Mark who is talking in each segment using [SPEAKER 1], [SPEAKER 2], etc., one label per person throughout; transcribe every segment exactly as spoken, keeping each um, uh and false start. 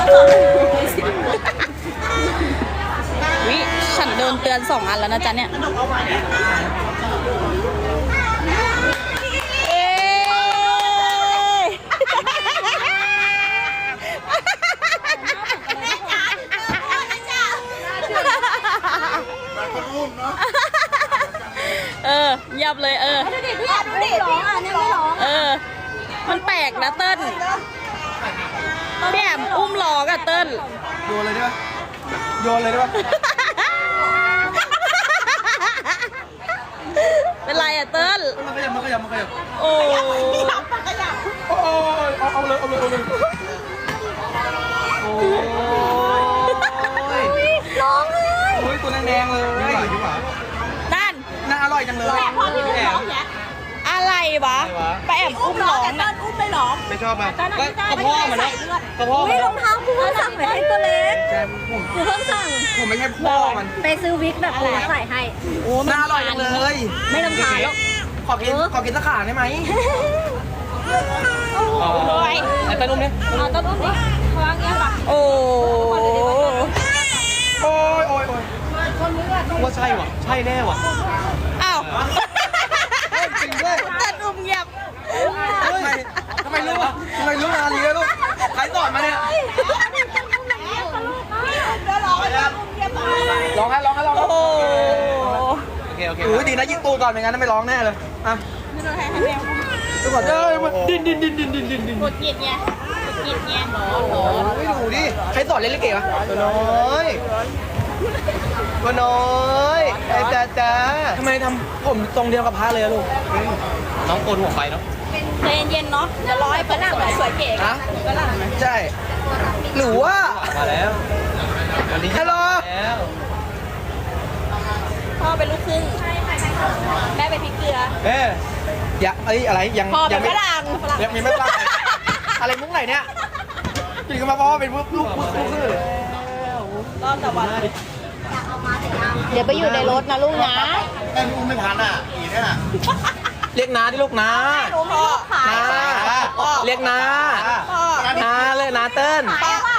[SPEAKER 1] วิฉันโดนเตือนสองอันแล้วนะจ๊ะเนี่ยเอ๊ะเออยับเลยเออดูดิดูดิร้องอ่ะเนี่ยไม่ร้องเออมันแปลกนะเติ้ลพี่แอมอุ้มล้อกับเติ้ล
[SPEAKER 2] โยนเลยได้ปะโยนเลยได้ปะ
[SPEAKER 1] เป็นไรอะเติ้ล
[SPEAKER 2] มันขยับมันขยับมันขยับ
[SPEAKER 1] โอ้ย
[SPEAKER 2] โอ้ยเอาเอาเลยเอาเลยเอาเลยโอ้ย
[SPEAKER 1] ร้องเลย
[SPEAKER 2] โอ้ยตัวแดงๆเลย
[SPEAKER 1] นั่น
[SPEAKER 2] น่าอร่อยจังเลย
[SPEAKER 1] แต่พอพี่ไม่ร้องอะไรวะไปแอบอุ้มร้องนะอุ้มไม่ร้อง
[SPEAKER 2] ไม่ชอบมันก็กระเพาะมันนะกระเพาะ
[SPEAKER 3] ไม่รองเท้ากูเพิ่งสั่งไปให้ตัวเล็ก
[SPEAKER 2] ใช่ผม
[SPEAKER 3] กูเพิ่งสั่ง
[SPEAKER 2] ผมไม่ใช่พ่อมัน
[SPEAKER 3] ไปซื้อวิกแบบกูใส่ให้
[SPEAKER 1] โอ้
[SPEAKER 2] น่าอร่อยจังเลย
[SPEAKER 3] ไม่รำคาญแล้ว
[SPEAKER 2] ขอกินขอกินสักขาได้ไหม
[SPEAKER 1] โอ้ย
[SPEAKER 2] ไอ้ต้นอุ้มเนี่ย
[SPEAKER 3] เอาต้นอุ้มดิวางเงี้ยป่ะ
[SPEAKER 1] โอ้
[SPEAKER 2] โอ้ยโอ้ยโอ้ยว่าใช่ว่ะใช่แน่ว่ะ
[SPEAKER 1] อ้าว
[SPEAKER 2] จริงด้วย
[SPEAKER 1] ตัดอุ้มเงียบ
[SPEAKER 2] ทำไมทำไมรู้อ่ะทำไมรู้งานนี้ลูกใครสอนมาเนี่ยร้องให้ร้องให้ร้อง
[SPEAKER 1] โอ้โห
[SPEAKER 2] โอเคโอเคอุ้ยดีนะยิงตูก่อนไม่งั้นไม่ร้องแน่เลยอ่ะดูก่อนเอ้ยดินดินดินดินดินดินดิน
[SPEAKER 1] กดเกียดไงกดเกียดไงหรอ
[SPEAKER 2] ไม่ดูดิใครสอนเล่นลิเกวะตัวน้อยตัวน้อยไอ้จ้าจ้าทำไมทำผมทรงเดียวกับพระเลยลูกน้องโกนหัวไปเนาะ
[SPEAKER 1] ใจเย็นๆเนาะจะร้อยฝรั่งสวยเก๋
[SPEAKER 2] ฮะฝรั่งใช่หรือว่ามาแล้ววันนี้ฮัลโหล
[SPEAKER 1] พ่อเป็นลูกครึ่งแม่เป็นพริกเกลือ
[SPEAKER 2] เอ๊ะยังเอ้ยอะไรยัง
[SPEAKER 1] พ่อเป็
[SPEAKER 2] ยั
[SPEAKER 1] น
[SPEAKER 2] ไม่
[SPEAKER 1] ฝรั่ง
[SPEAKER 2] ยังมีไม่ฝรั่งอะไรมุ้งไหนเนี่ยกินกันมาพ่อเป็นลูกลูกลูกคือ
[SPEAKER 1] รอบแต่วันเดี๋ยวไปอยู่ในรถนะลูกนะ
[SPEAKER 2] แม่อุ้มไม่ทันอ่ะอีเนี่ยเรียกน้าที่ลูกน้า
[SPEAKER 1] พ่อ
[SPEAKER 2] น้าเรียกน้าน้าเลยน้าเติ้ล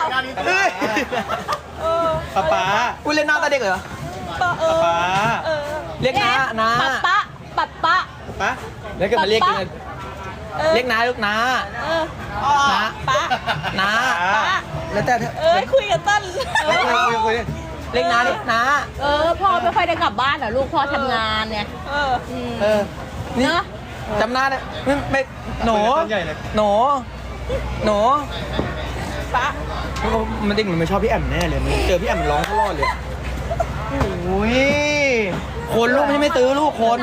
[SPEAKER 2] ป๊าป๊าอุ้ยเรียกน้าตาเด็กเหรอป๊าป๊าเรียกน้าน้า
[SPEAKER 1] ป๊าป๊าป๊า
[SPEAKER 2] ป๊าแล้วก็มาเรียกกันเรียกน้าลูกน้าน้า
[SPEAKER 1] ป๊า
[SPEAKER 2] น้าแล้วแต่
[SPEAKER 1] เอ้ยคุยกับตั้น
[SPEAKER 2] คุยคุยเรียกน้าดิน้า
[SPEAKER 1] เออพ่อไม่ค่อยได้กลับบ้านเหรอลูกพ่อทำงานเนี่ยเออ
[SPEAKER 2] เออนี่จำหน้าได้ไม่ไม่หนูหนูหนู
[SPEAKER 1] ป๊า
[SPEAKER 2] มันเด็กมันไม่ชอบพี่แอมแน่เลยมันเจอพี่แอมร้องตลอดเลยโอ้ยคนลูกไม่ไม่ตื้อลูกคน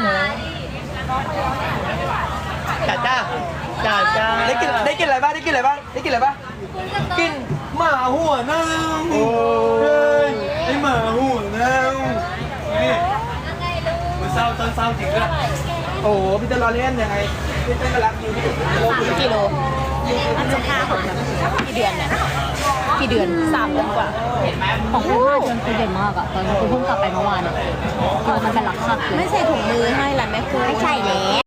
[SPEAKER 2] จ้าจ้าจ้าจ้าได้กินได้กินอะไรบ้างได้กินอะไรบ้างได้กินอะไรบ้างกินหมาหัวเน่าโอ้ยไอหมาหัวเน่านี่มันเศร้าตอนเศร้าจริงด้วยโอ้พี่จะรอเล่นยังไงพี่จะรักอยู่ที่
[SPEAKER 1] กิโลอันจะพาของกี่เดือนเนี่ยกี่เดือนสามเดือนกว่า
[SPEAKER 3] ของคุณห้าเดือนคือเด่นมากอะตอนคุณเพิ่งกลับไปเมื่อวานอะคือมันเป็นหลักขับ
[SPEAKER 1] ไม่ใส่ถุงมือให้แหละแม่คุณ
[SPEAKER 3] ไม่ใช่แล้ว